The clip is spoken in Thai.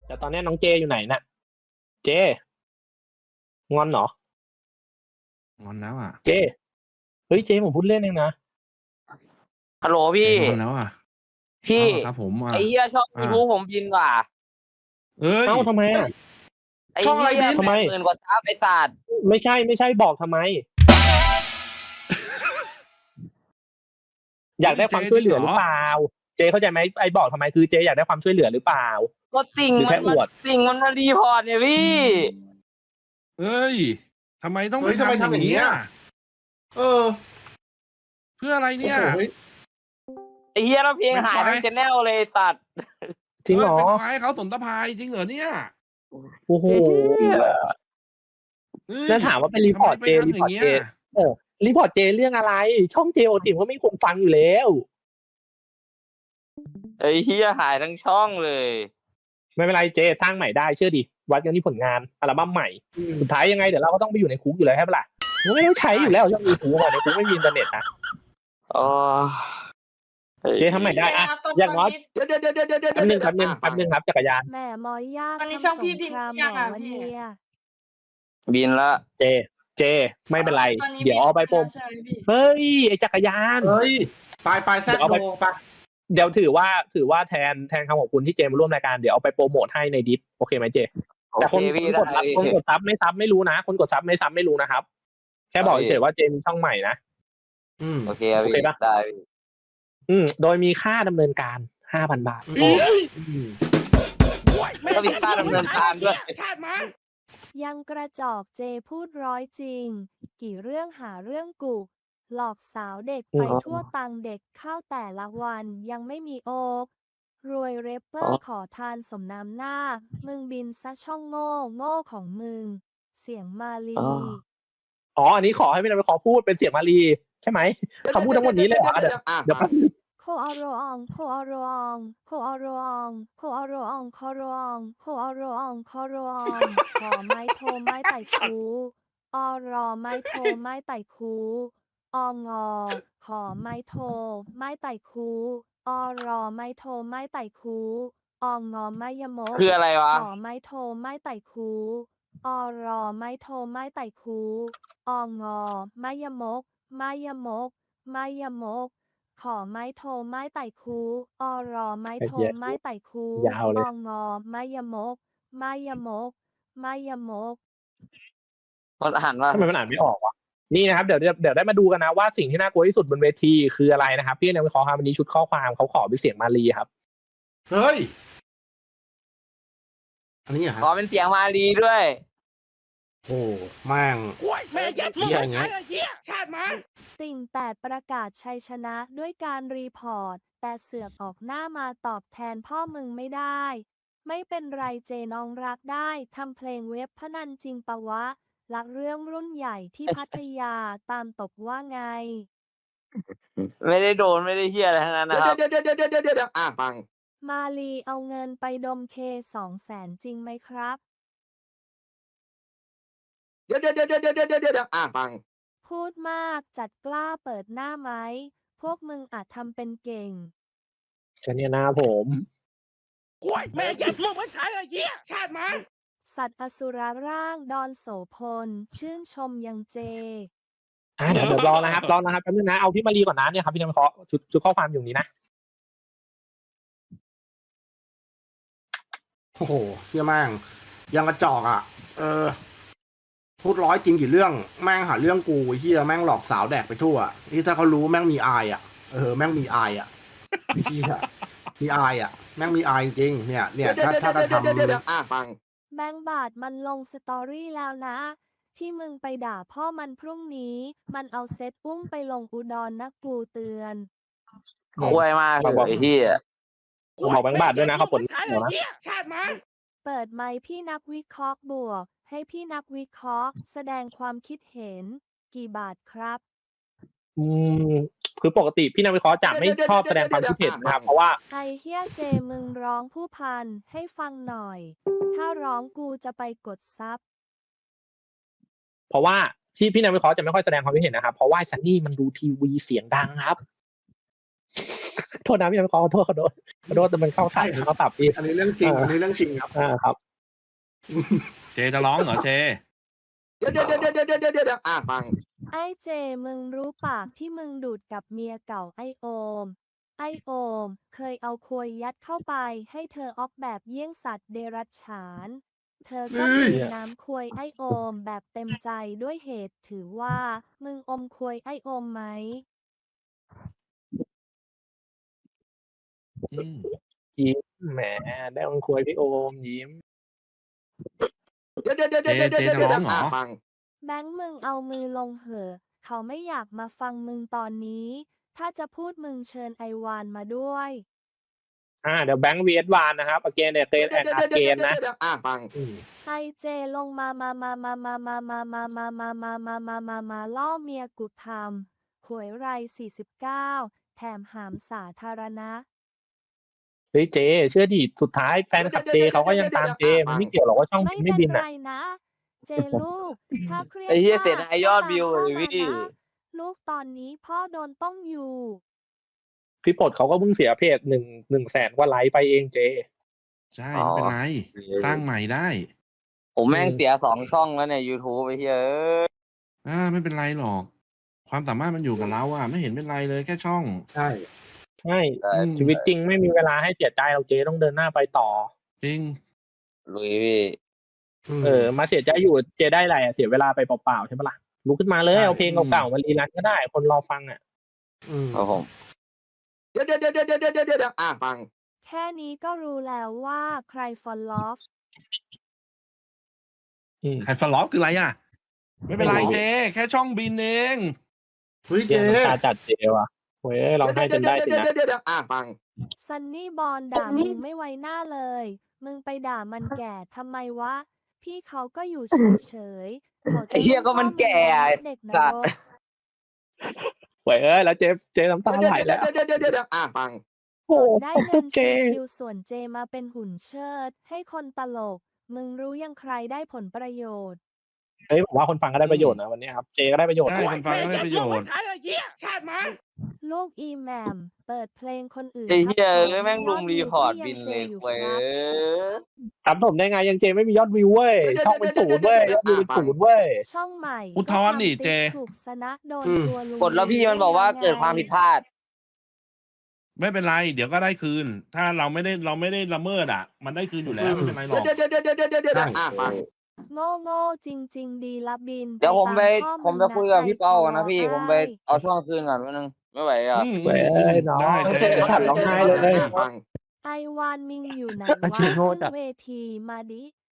แต่ตอนนี้น้องเจอยู่ไหนน่ะ เจงอนเหรองอนแล้วอ่ะเจเฮ้ยเจผมพูดเล่นเองนะฮัลโหลพี่งอนแล้วอ่ะพี่ครับผมไอ้เหี้ยช่อง YouTube ผมบินว่ะเอ้ยเอ้าทำไมอ่ะไอ้ช่องอะไรเหี้ยบินทำไม 80,000 กว่าซับไอ้สัตว์ไม่ใช่บอกทำไม อยากได้ความช่วยเหลือหรือเปล่า เจเข้าใจไหมไอ้บอกทำไมคือเจอยากได้ความช่วยเหลือหรือเปล่าก็ติ่งหรือแค่อวดติ่งมันมารีพอร์ตเนี่ยพี่เอ้ยทำไมต้องเฮ้ยทำไมทำอย่างนี้นี้อ่ะ เออเพื่ออะไรเนี่ยโอ้โหฮ้ไอ้เหี้ยเราเพลงหายทั้งชแนลเลยไอ้สัตว์จริงเหรอเป็นไฟล์เขาสนตะพายจริงเหรอเนี่ยโอ้โหเอ้ยแล้วถามว่าไปรีพอร์ตทำไมเจไปทำรีอพอร์ตย่างเงี้เจยรีพอร์ตเจเรื่องอะไร ช่องเจโอติมก็ไม่มีคนฟังอยู่แล้วไอ้เหี้ยหายทั้งช่องเลยไม่เป็นไรเจสร้างใหม่ได้เชื่อดิวัดกันที่ผลงานอัลบั้มใหม่อืมสุดท้ายยังไงเดี๋ยวเราก็ต้องไปอยู่ในคุกอยู่แล้วใช่ปะล่ะมันไม่ต้องใช้อยู่แล้วช่องยูทูบในคุกไม่มีอินเทอร์เน็ตนะอ๋อเจทำใหม่ได้อะอย่างน้อยเดี๋ยวแป๊บนึงครับจักรยานแหม่มอยยากตอนนี้ช่องพี่ทำสครามพี่ยังแหม่อ่ะวันพี่เนี้ยบินละเจไม่เป็นไรตอนนี้เดี๋ยวเอาไปโปรใช่ไหมพี่เฮ้ยไอจักรยานเฮ้ยไปแซดโลไปเดี๋ยวถือว่าแทนคำขอบคุณที่เจมาร่วมรายการเดี๋ยวเอาไปโปรโมทให้ในดิสโอเคไหมเจ แต่คนโอเคพี่กดได้คนกดซับไม่ซับไม่รู้นะ คนกดซับไม่ซับไม่รู้นะครับ แค่บอกเฉยๆว่าเจมีช่องใหม่นะอืมโอเคครับโอพี่เคปะได้พี่โดยมีค่าดำเนินการ 5,000 บาทก็มีค่าดำเนินการด้วยชาติมายังกระจอกเจพูดร้อยจริง กี่เรื่องหาเรื่องกุหลอกสาวเด็กไปทั่วตังเด็กเข้าแต่ละวันยังไม่มีโอกรวยเรปเปอร์ขอทานสมน้ำหน้า มึงบินซะช่องโง่ของมึง เสียงมาลีอ๋ออันนี้ขอให้ไม่ได้ไปขอพูดเป็นเสียงมาลีใช่ไหมเขาพูดทั้งหมดนี้เลยเหรอเดี๋ยวแป๊บนึงโคอาโรอองโคอาโรอองโคอาโรอองโคอาโรอองโคอาโรอองโคอาโรอองโคอาโรอองขอไม้โทไม้ไต่คูอรอไม้โทไม้ไต่คูองอขอไม้โทไม้ไต่คูอรอไม้โทไม้ไต่คูองอไม้ยมกคืออะไรวะขอไม้โทไม้ไต่คูอรอไม้โทไม้ไต่คูองอไม้ยมกไม้ยมกไม้ยมก ขอไม้โทไม้ไต่คูอรอไม้โทไม้ไต่คูยาวเลยองอไม้ยมกไม้ยมกไม้ยมกมันอ่านว่าทำไมมันอ่านไม่ออกวะนี่นะครับเดี๋ยวได้มาดูกันนะว่าสิ่งที่น่ากลัวที่สุดบนเวทีคืออะไรนะครับพี่ในวิเคราะห์ครับวันนี้ชุดข้อความเขาขอเป็นเสียงมาลีครับเฮ้ย อันนี้เหรอขอฮะเป็นเสียงมาลีด้วยโอ้แม่งแม่ยัดเหี้ยอย่างเงี้ยชาติมาติ่งแต่ประกาศชัยชนะด้วยการรีพอร์ต แต่เสือกออกหน้ามาตอบแทนพ่อมึงไม่ได้ ไม่เป็นไรเจน้องรักได้ทำเพลงเว็บพนันจริงปะวะ รักเรื่องรุ่นใหญ่ที่พัทยาตามตบว่าไงไม่ได้โดนไม่ได้เฮียอะไรทั้งนั้นนะครับเดี๋ยวฟังมาลีเอาเงินไปดมเค200,000จริงไหมครับเดี๋ยวฟังพูดมากจัดกล้าเปิดหน้าไหม พวกมึงอาจทำเป็นเก่งแค่นี้นะผมแม่ยัดมึงมันขายอะไรเหี้ยชาติมาสัตว์อสุรร่างดอนโสพล ชื่นชมยังเจเดี๋ยวรอนะครับแป๊บนึงนะเอาพี่มาลีก่อนนะเนี่ยครับพี่ในวิเคราะห์ชุดข้อความอยู่นี้นะโอ้โหเชี่ยแม่งยังกระจอกอ่ะ พูดร้อยจริงกี่เรื่องแม่งหาเรื่องกูไอ้เหี้ยแม่งหลอกสาวแดกไปทั่วนี่ถ้าเขารู้แม่งมีอายอ่ะแม่งมีอายอ่ะไอ้เหี้ยมีอายอ่ะแม่งมีอายจริงเนี่ยถ้าทำฟังแบงค์บาทมันลงสตอรี่แล้วนะ ที่มึงไปด่าพ่อมันพรุ่งนี้ มันเอาเซตอุ้มไปลงอุดรนะกูเตือนคุยมากเลยไอ้เฮียบอกแบงค์บาทด้วยนะเขาปลดขายอะไรเดี๋ยวนะเหี้ยชาติมาเปิดไมค์พี่นักวิเคราะห์บวก ให้พี่นักวิเคราะห์แสดงความคิดเห็น กี่บาทครับคือปกติพี่นักวิเคราะห์จะไม่ชอบแสดงความคิดเห็นนะครับเพราะว่าไอเฮียเจมึงร้องผู้พันให้ฟังหน่อย ถ้าร้องกูจะไปกดซับเพราะว่าที่พี่นักวิเคราะห์จะไม่ค่อยแสดงความคิดเห็นนะครับเพราะว่าซันนี่มันดูทีวีเสียงดังครับโทษนะพี่ขอโทษขอโทษแต่มันเข้าตับเข้าตับพี่อันนี้เรื่องจริง อันนี้เรื่องจริงครับครับเจจะร้องเหรอเจเดี๋ยวฟังไอ้เจมึงรู้ปากที่มึงดูดกับเมียเก่าไอโอม ไอโอม เคยเอาควยยัดเข้าไปให้เธอออกแบบเยี่ยงสัตว์เดรัจฉาน เธอก็เฮ้ยดื่มน้ำควยไอโอมแบบเต็มใจด้วยเหตุถือว่ามึงอมควยไอโอมไหมอืมยิ้มแหมได้มันคุยพี่โอมยิ้มเจจะร้องเหรอแบงค์มึงเอามือลงเหอะเขาไม่อยากมาฟังมึงตอนนี้ ถ้าจะพูดมึงเชิญไอวานมาด้วยเดี๋ยวแบงค์ vs วานนะครับ again เนี่ยเตนแอนอาเกนนะไอเจลงมาล่อเมียกูทำขวยไร49 แถมหามสาธารณะเฮ้ยเจเชื่อดิสุดท้ายแฟนคลับเจเขาก็ยังตามเจมันไม่เกี่ยวหรอกว่าช่องไม่บินไม่เป็นบินไรอ่ะนะ เจลูก ถ้าเครียดไอ้เหี้ยมากเสียดายยอดก็ตามวิวพ่อเลยมาพี่นะลูกตอนนี้พ่อโดนต้มอยู่พี่ปลดเขาก็เพิ่งเสียเพจ1 แสนกว่าไลค์ไปเองเจใช่ไม่เป็นไร สร้างใหม่ได้ผมแม่งเสีย2 ช่องแล้วใน YouTube ไปเฮ้ยไม่เป็นไรหรอก ความสามารถมันอยู่กับเราอ่ะ ไม่เห็นเป็นไรเลยแค่ช่องใช่ใช่อืมชีวิตจริงไม่มีเวลาให้เสียใจเราเจต้องเดินหน้าไปต่อจริงลุยพี่มาเสียใจอยู่เจได้อะไรเสียเวลาไปเปล่าๆใช่ปะล่ะลุกขึ้นมาเลยใช่เอาเพลงเก่าๆมารีรันก็ได้ คนรอฟังอ่ะครับผมเดี๋ยวฟังแค่นี้ก็รู้แล้วว่าใครฟอลลอฟใครฟลอปคืออะไรอ่ะ ไม่เป็นไรเจ แค่ช่องบินเองเฮ้ยเจเจ๊น้ำตาจัดเจว่ะเฮ้ยเราให้จนได้สินะฟังซันนี่บอลด่ามึงไม่ไว้หน้าเลย มึงไปด่ามันแก่ทำไมวะ พี่เขาก็อยู่เฉยๆเขาจะไอ้เหี้ยก็มันแก่ไอ้เด็กนสัตรว์กเว้ยแล้วเจน้ำตาไหลแล้วฟังโอ้ได้ขอบเงิคุณนเจชิวๆส่วนเจมาเป็นหุ่นเชิด ให้คนตลก มึงรู้ยังใครได้ผลประโยชน์เฮ้ยผมว่าคนฟังก็ได้ประโยชน์นะวันนี้ครับเจก็ได้ประโยชน์ใช่ คนฟังก็ได้ประโยชน์น์ชน์น์ ไอ้เหี้ยชาติมาลูกอีแหมมเปิดเพลงคนอื่นไอ้เหี้ยครับเอ้ยแม่งลุมรีพอร์ตบินเจเลยอยู่เว้ยครับถามผมได้ไงยังเจไม่มียอดวิวเว้ยช่องเป็น0เว้ยยอดวิวเป็น0เว้ยช่องใหม่อุทธรณ์ดิก็ทำเจติ๊กถูกสนะโดนตัวลุงกดแล้วพี่มันบอกว่าเกิดความผิดพลาดไม่เป็นไร เดี๋ยวก็ได้คืน ถ้าเราไม่ได้ละเมิดอ่ะ มันได้คืนอยู่แล้วไม่เป็นไรหรอกฟังโง่จริง ๆ ดีละบินเดี๋ยวผมไปตาพ่อผมไปคุยกับพี่เปาก่อนนะพี่ให้ผมไปเอาช่องคืนก่อนแป๊บนึง ไม่ไหวอ่ะเว้ยน้องได้เจสั่นร้องไห้เลยไอวานมิงอยู่ไหนอาวะชีพโง่ขึ้นจัดเวทีมาดิ